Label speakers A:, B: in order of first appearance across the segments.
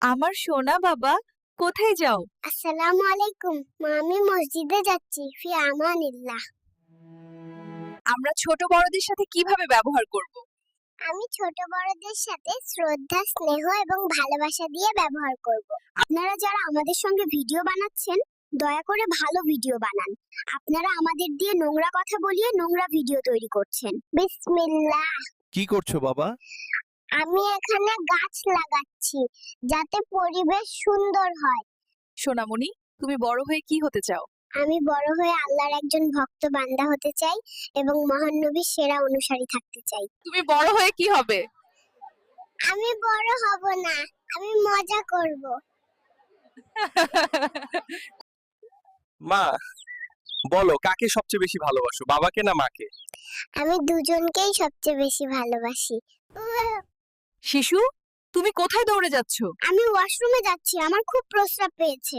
A: আমার সোনা বাবা, কোথায় যাও?
B: আসসালামু আলাইকুম মা, আমি মসজিদে যাচ্ছি। ফি আমানিল্লাহ।
A: আমরা ছোট বড়দের সাথে কিভাবে ব্যবহার করব?
B: আমি ছোট বড়দের সাথে শ্রদ্ধা, স্নেহ এবং ভালোবাসা দিয়ে ব্যবহার করব। আপনারা যারা আমাদের সঙ্গে ভিডিও বানাচ্ছেন, দয়া করে ভালো ভিডিও বানান। আপনারা আমাদের দিয়ে নোংরা কথা বলিয়ে নোংরা ভিডিও তৈরি করছেন। বিসমিল্লাহ।
C: কি করছো বাবা?
B: আমি এখানে গাছ লাগাচ্ছি যাতে পরিবেশ সুন্দর হয়।
A: সোনামণি, তুমি বড় হয়ে কি হতে চাও?
B: আমি বড় হয়ে আল্লাহর একজন ভক্ত বান্দা হতে চাই এবং মহান নবীর সেরা অনুসারী থাকতে চাই।
A: তুমি বড় হয়ে কি হবে?
B: আমি বড় হব না, আমি মজা করব।
C: মা, বলো কাকে সবচেয়ে বেশি ভালোবাসো, বাবাকে না মাকে?
B: আমি দুজনকেই সবচেয়ে বেশি ভালোবাসি।
A: শিশু, তুমি কোথায় দৌড়ে যাচ্ছ?
B: আমি ওয়াশরুমে যাচ্ছি, আমার খুব প্রস্রাব পেয়েছে।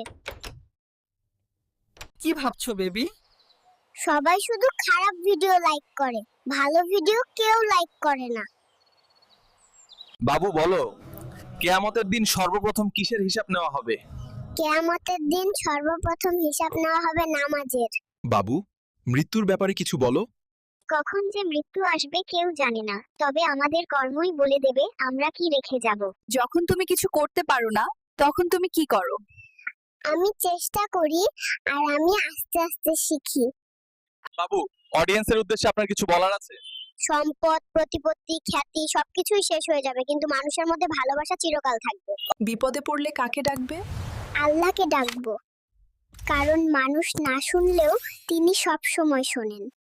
D: কি ভাবছো বেবি?
B: সবাই শুধু খারাপ ভিডিও লাইক করে, ভালো ভিডিও কেউ লাইক করে না।
C: বাবু বলো, কিয়ামতের দিন সর্বপ্রথম কিসের হিসাব নেওয়া হবে?
B: কিয়ামতের দিন সর্বপ্রথম হিসাব নেওয়া হবে নামাজের।
C: বাবু, মৃত্যুর ব্যাপারে কিছু বলো।
B: কখন যে মৃত্যু আসবে কেউ জানে না, তবে আমাদের কর্মই বলে দেবে আমরা কি রেখে যাব।
A: যখন তুমি কিছু করতে পারো না, তখন তুমি কি করো?
B: আমি চেষ্টা করি আর আমি আস্তে আস্তে শিখি।
C: বাবু, অডিয়েন্সের উদ্দেশ্যে আপনার কিছু বলার আছে?
B: সম্পদ, প্রতিপত্তি, খ্যাতি সবকিছুই শেষ হয়ে যাবে, কিন্তু মানুষের মধ্যে ভালোবাসা চিরকাল থাকবে।
A: বিপদে পড়লে কাকে ডাকবে?
B: আল্লাহকে ডাকবো, কারণ মানুষ না শুনলেও তিনি সব সময় শোনেন।